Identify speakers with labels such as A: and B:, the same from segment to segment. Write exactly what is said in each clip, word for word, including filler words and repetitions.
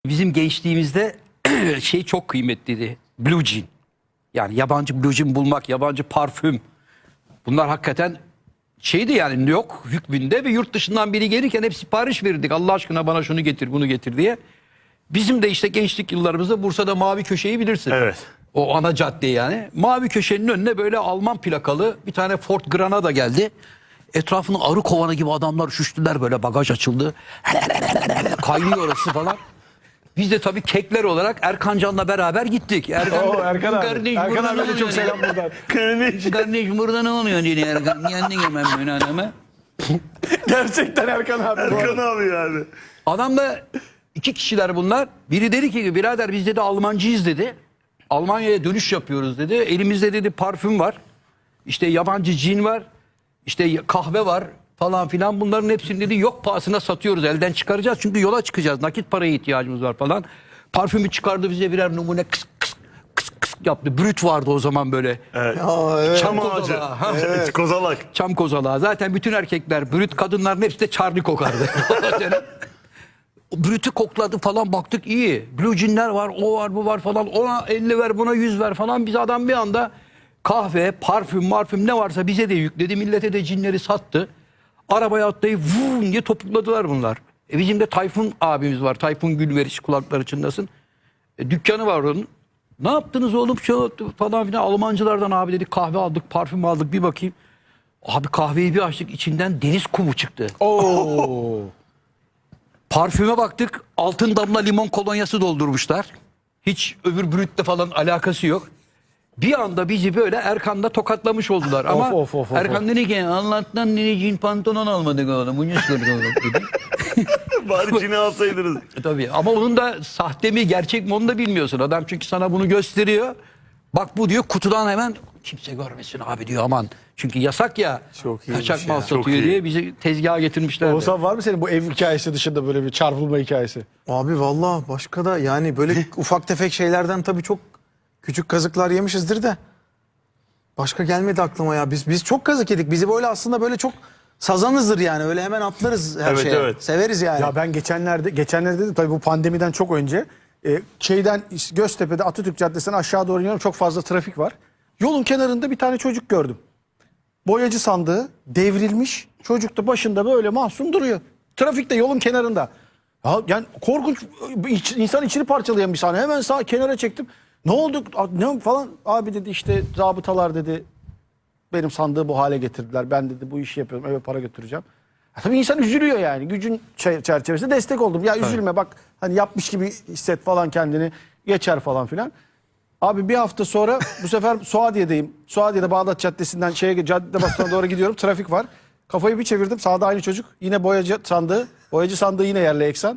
A: Bizim gençliğimizde şey çok kıymetliydi. Blue Jean. Yani yabancı Blue Jean bulmak, yabancı parfüm. Bunlar hakikaten şeydi yani, yok hükmünde ve yurt dışından biri gelirken hep sipariş verirdik. Allah aşkına bana şunu getir, bunu getir diye. Bizim de işte gençlik yıllarımızda Bursa'da Mavi Köşe'yi bilirsin.
B: Evet.
A: O ana cadde yani. Mavi Köşe'nin önüne böyle Alman plakalı bir tane Ford Granada geldi. Etrafını arı kovanı gibi adamlar üşüştüler, böyle bagaj açıldı. Kaynıyor orası falan. Biz de tabii kekler olarak Erkan Can'la beraber gittik. Erkan,
C: Oo, Erkan abi.
A: kardeş,
C: Erkan
A: burada
C: abi
A: ne
C: de çok
A: oluyor
C: selam
A: diye.
C: buradan.
B: Kardeş.
A: Kardeş burada ne oluyor diye Erkan. Kendin hemen böyle adama.
C: Gerçekten Erkan abi.
B: Erkan abi yani.
A: Adam da iki kişiler bunlar. Biri dedi ki birader biz dedi Almancıyız dedi. Almanya'ya dönüş yapıyoruz dedi. Elimizde dedi parfüm var. İşte yabancı cin var. İşte kahve var falan filan. Bunların hepsini dedi yok pahasına satıyoruz. Elden çıkaracağız çünkü yola çıkacağız. Nakit paraya ihtiyacımız var falan. Parfümü çıkardı bize birer numune kıs kıs kıs kıs yaptı. Brüt vardı o zaman böyle.
B: Evet.
C: Aa, evet.
B: Çam
A: Kozalağı,
B: ağacı.
A: ha.
B: Evet. Kozalak.
A: Çam kozalağı. Zaten bütün erkekler brüt, kadınların hepsi de Charlie kokardı. Brütü kokladı falan, baktık iyi. Blue Jean'ler var, o var, bu var falan. Ona elli ver, buna yüz ver falan. Biz adam bir anda kahve, parfüm, marfüm ne varsa bize de yükledi. Millete de cinleri sattı. Arabaya atlayıp vum diye topukladılar bunlar. E bizim de Tayfun abimiz var. Tayfun Gülveriş, kulakları çınlasın. E, dükkanı var onun. Ne yaptınız oğlum şu falan filan. Almancılardan abi dedik, kahve aldık, parfüm aldık, bir bakayım. Abi kahveyi bir açtık, içinden deniz kumu çıktı.
C: Oo.
A: Parfüme baktık, altın damla limon kolonyası doldurmuşlar. Hiç öbür brütle falan alakası yok. Bir anda bizi böyle Erkan'da tokatlamış oldular. Ama
C: Of, of, of, of,
A: Erkan dedi ki Allah'tan dedi cin pantolon almadık oğlum. Ucuz kırdık oğlum dedi.
B: Bari cini alsaydınız.
A: E, Tabii ama onun da sahte mi gerçek mi onu da bilmiyorsun. Adam çünkü sana bunu gösteriyor. Bak bu diyor, kutudan hemen kimse görmesin abi diyor, aman. Çünkü yasak ya.
C: Çok iyiymiş
A: kaçak mal
C: ya.
A: satıyor
B: Çok iyi.
A: diye bizi tezgaha getirmişler.
C: Oğuzhan, var mı senin bu ev hikayesi dışında böyle bir çarpılma hikayesi?
D: Abi vallahi başka da yani böyle ufak tefek şeylerden tabii çok küçük kazıklar yemişizdir de başka gelmedi aklıma ya. Biz biz çok kazık yedik. Bizi böyle aslında böyle çok sazanızdır yani. Öyle hemen atlarız her
B: Evet,
D: şeye.
B: evet.
D: Severiz yani.
C: Ya ben geçenlerde geçenlerde dedim tabii bu pandemiden çok önce e, şeyden Göztepe'de Atatürk Caddesi'nden aşağı doğru iniyorum, çok fazla trafik var. Yolun kenarında bir tane çocuk gördüm. Boyacı sandığı devrilmiş. Çocuk da başında böyle mahzun duruyor. Trafikte yolun kenarında. Ya, yani korkunç, iç- insan içini parçalayan bir sahne. Hemen sağ kenara çektim. Ne oldu? Ne falan? Abi dedi işte zabıtalar dedi benim sandığı bu hale getirdiler. Ben dedi bu işi yapıyorum, eve para götüreceğim. Ya tabii insan üzülüyor yani. Gücün çe- çerçevesinde destek oldum. Ya üzülme bak, hani yapmış gibi hisset falan kendini. Geçer falan filan. Abi bir hafta sonra bu sefer Suadiye'deyim. Suadiye'de Bağdat Caddesi'nden şeye, cadde basına doğru gidiyorum. Trafik var. Kafayı bir çevirdim. Sağda aynı çocuk. Yine boyacı sandığı. Boyacı sandığı yine yerle eksan.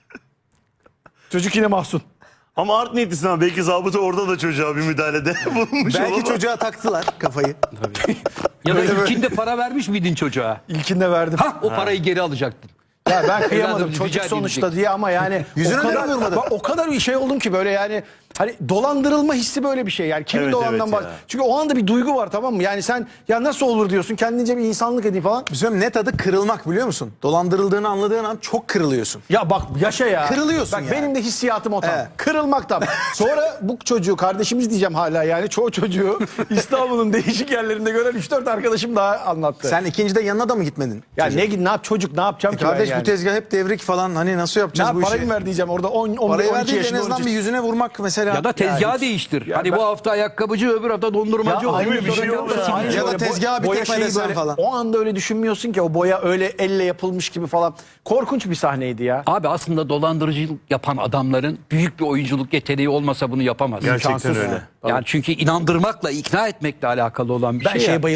C: Çocuk yine mahzun.
B: Ama art niyetlisin abi. Belki zabıta orada da çocuğa bir müdahalede bulunmuş
D: Belki
B: olamaz.
D: çocuğa taktılar kafayı.
A: Ya da
D: Böyle böyle.
A: ilkinde para vermiş miydin çocuğa?
C: İlkinde verdim.
A: Ha o parayı geri alacaktın.
C: Ya ben kıyamadım
A: Evladım,
C: çocuk
A: rica
C: sonuçta
A: edilecek.
C: diye ama yani
D: Yüzüne
C: o kadar,
D: neden vurmadın?
C: bak, o kadar bir şey oldum ki böyle yani hani dolandırılma hissi böyle bir şey yani kimin
B: Evet,
C: dolandan
B: evet
C: bak.
B: ya.
C: Çünkü o anda bir duygu var, tamam mı? Yani sen ya nasıl olur diyorsun, kendince bir insanlık edeyim falan.
D: Bizim net adı kırılmak, biliyor musun? Dolandırıldığını anladığın an çok kırılıyorsun.
C: Ya bak yaşa ya.
D: Kırılıyorsun
C: Bak
D: yani.
C: benim de hissiyatım o tam.
D: Evet.
C: Kırılmaktan. Sonra bu çocuğu, kardeşimiz diyeceğim hala yani, çoğu çocuğu İstanbul'un değişik yerlerinde gören üç dört arkadaşım daha anlattı.
D: Sen ikincide yanına da mı gitmedin?
C: ya ne, ne yap çocuk, ne yapacağım
D: E
C: ki ben
D: kardeş
C: yani?
D: bu tezgah hep devrik falan, hani nasıl
C: Ne
D: yapacağız
C: yap,
D: bu işi?
C: parayı mı ver diyeceğim orada on, on,
D: Parayı
C: on
D: ver
C: iki
D: değil de en
C: yaşında
D: azından
C: on üç
D: bir yüzüne vurmak mesela.
A: Ya da tezgahı
C: Ya hiç-
A: değiştir.
C: Ya
A: hani
C: ben-
A: bu hafta ayakkabıcı, öbür hafta dondurmacı
C: Ya
A: olur.
C: aynı
B: bir şey
C: sorun
B: yok
C: yok.
B: ya.
C: Aynı
D: Ya da
C: böyle
D: tezgahı bir
C: boya
D: tekme
C: şeyi
D: desen
C: böyle-
D: falan.
C: O anda öyle düşünmüyorsun ki o boya öyle elle yapılmış gibi falan. Korkunç bir sahneydi ya.
A: Abi aslında dolandırıcılık yapan adamların büyük bir oyunculuk yeteneği olmasa bunu yapamaz.
B: Gerçekten
C: İmkansız.
B: öyle.
A: Yani çünkü inandırmakla, ikna etmekle alakalı olan bir
C: Ben
A: şey
C: şeye
A: ya.